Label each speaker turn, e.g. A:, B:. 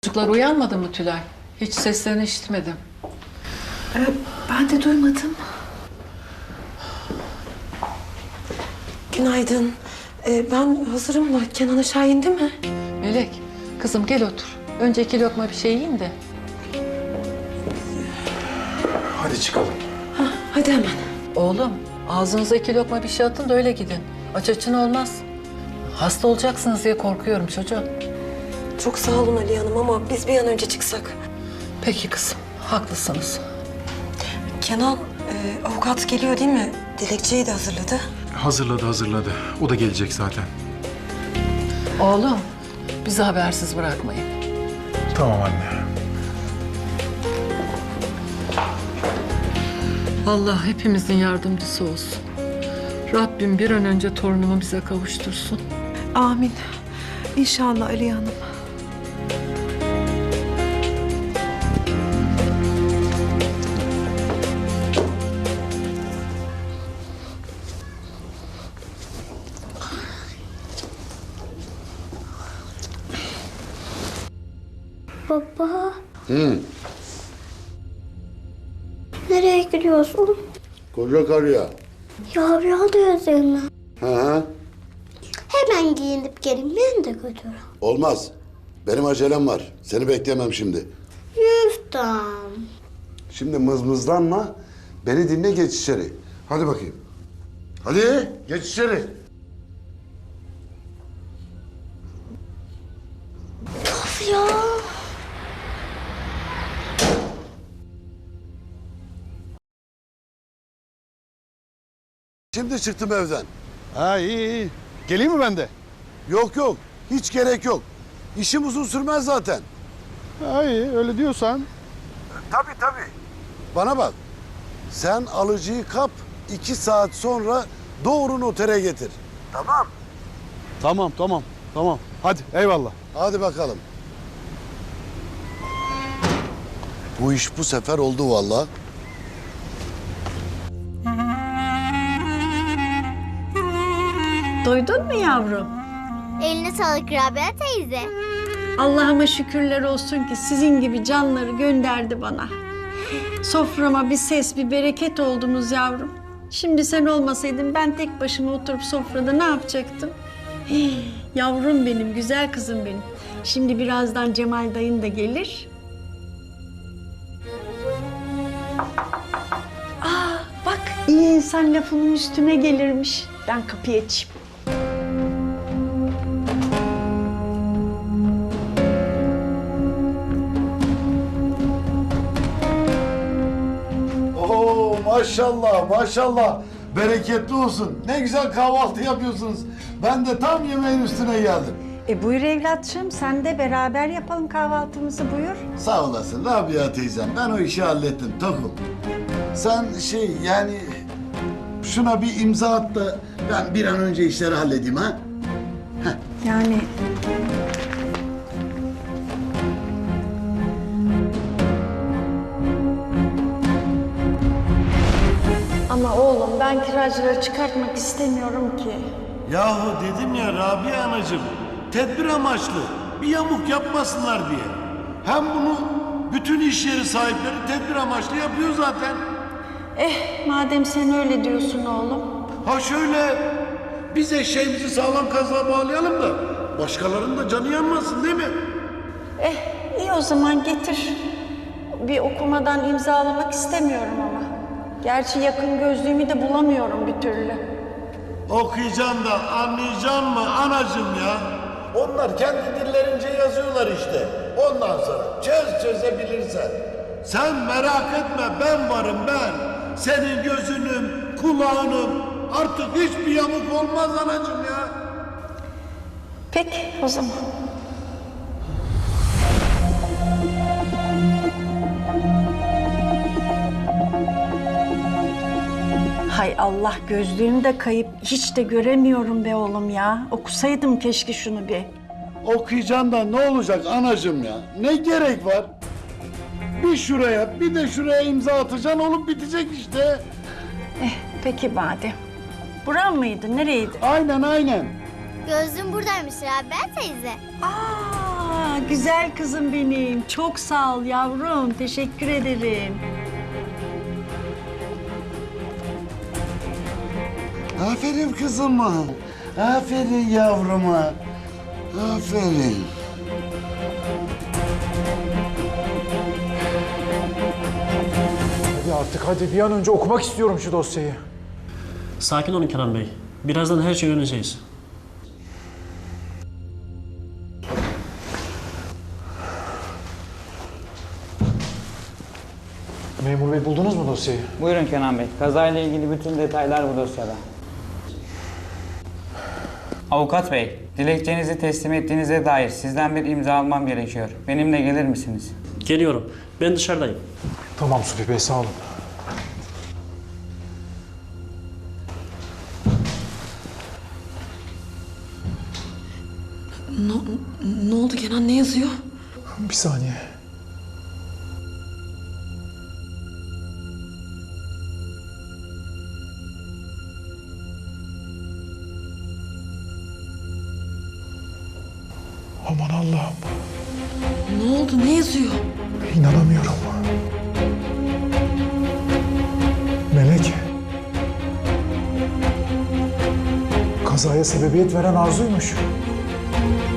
A: Çocuklar uyanmadı mı Tülay? Hiç seslerini işitmedim.
B: Ben de duymadım. Günaydın. Ben hazırım da Kenan aşağı indi mi?
A: Melek, kızım gel otur. Önce 2 lokma bir şey yiyin de.
C: Hadi çıkalım.
B: Hadi hemen.
A: Oğlum, ağzınıza 2 lokma bir şey atın da öyle gidin. Aç açın olmaz. Hasta olacaksınız diye korkuyorum çocuğum.
B: Çok sağ olun Ali Hanım ama biz bir an önce çıksak.
A: Peki kızım, haklısınız.
B: Kenan avukat geliyor değil mi? Dilekçeyi de hazırladı.
C: Hazırladı. O da gelecek zaten.
A: Oğlum, bizi habersiz bırakmayın.
C: Tamam anne.
A: Allah hepimizin yardımcısı olsun. Rabbim bir an önce torunumu bize kavuştursun.
B: Amin. İnşallah Ali Hanım.
D: Baba. Nereye gidiyorsun?
E: Koca karıya.
D: Yavru da üzerine.
E: Hı.
D: Hemen giyinip gelin beni de götür.
E: Olmaz. Benim acelem var. Seni bekleyemem şimdi.
D: Yüften.
E: Şimdi mızmızlanma. Beni dinle, geç içeri. Hadi bakayım. Hadi geç içeri.
D: Of ya.
E: Şimdi çıktım evden.
F: Ha iyi. Geleyim mi ben de?
E: Yok. Hiç gerek yok. İşim uzun sürmez zaten.
F: Ha iyi öyle diyorsan.
E: Tabii. Bana bak. Sen alıcıyı kap. 2 saat sonra doğru notere getir. Tamam.
F: Tamam. Hadi eyvallah.
E: Hadi bakalım. Bu iş bu sefer oldu vallahi.
G: Duydun mu yavrum?
D: Eline sağlık Rabia teyze.
G: Allah'ıma şükürler olsun ki sizin gibi canları gönderdi bana. Soframa bir ses, bir bereket oldunuz yavrum. Şimdi sen olmasaydın ben tek başıma oturup sofrada ne yapacaktım? Yavrum benim, güzel kızım benim. Şimdi birazdan Cemal dayın da gelir. Bak iyi insan lafının üstüne gelirmiş. Ben kapıyı açayım.
E: Oo maşallah. Bereketli olsun. Ne güzel kahvaltı yapıyorsunuz. Ben de tam yemeğin üstüne geldim.
G: Buyur evlatçığım, sen de beraber yapalım kahvaltımızı buyur.
E: Sağ olasın Rabia teyzem. Ben o işi hallettim Tokum. Sen yani şuna bir imza at da ben bir an önce işleri halledeyim ha.
G: Yani ama oğlum ben kiracıları çıkartmak istemiyorum ki.
H: Yahu dedim ya Rabia anacığım, tedbir amaçlı, bir yamuk yapmasınlar diye. Hem bunu bütün iş yeri sahipleri tedbir amaçlı yapıyor zaten.
G: Madem sen öyle diyorsun oğlum.
H: Ha şöyle, biz eşeğimizi sağlam kazığa bağlayalım da başkalarının da canı yanmasın değil mi?
G: İyi o zaman getir. Bir okumadan imzalamak istemiyorum ama. Gerçi yakın gözlüğümü de bulamıyorum bir türlü.
H: Okuyacaksın da anlayacaksın mı anacığım ya? Onlar kendi dillerince yazıyorlar işte. Ondan sonra çözebilirsen. Sen merak etme, ben varım ben. Senin gözünüm, kulağınım. Artık hiçbir yamuk olmaz anacığım ya.
G: Peki o zaman. Hay Allah, gözlüğüm de kayıp. Hiç de göremiyorum be oğlum ya. Okusaydım keşke şunu bir.
E: Okuyacaksın da ne olacak anacığım ya? Ne gerek var? Bir şuraya bir de şuraya imza atacaksın, olup bitecek işte.
G: Peki madem. Buran mıydı? Nereydi?
E: Aynen.
D: Gözlüğüm buradaymış Rabia teyze.
G: Aa, güzel kızım benim. Çok sağ ol yavrum. Teşekkür ederim.
E: Aferin kızıma. Aferin yavruma. Aferin.
C: Hadi artık hadi bir an önce okumak istiyorum şu dosyayı.
I: Sakin olun Kenan Bey. Birazdan her şeyi öğreneceğiz.
C: Memur bey buldunuz mu dosyayı?
J: Buyurun Kenan Bey. Kazayla ilgili bütün detaylar bu dosyada. Avukat Bey, dilekçenizi teslim ettiğinize dair sizden bir imza almam gerekiyor. Benimle gelir misiniz?
I: Geliyorum. Ben dışarıdayım.
C: Tamam Supi Bey sağ olun.
B: Ne oldu Kenan, ne yazıyor?
C: Bir saniye. Aman Allah'ım.
B: Ne oldu, ne yazıyor?
C: İnanamıyorum. Melek. Kazaya sebebiyet veren Arzu'ymuş.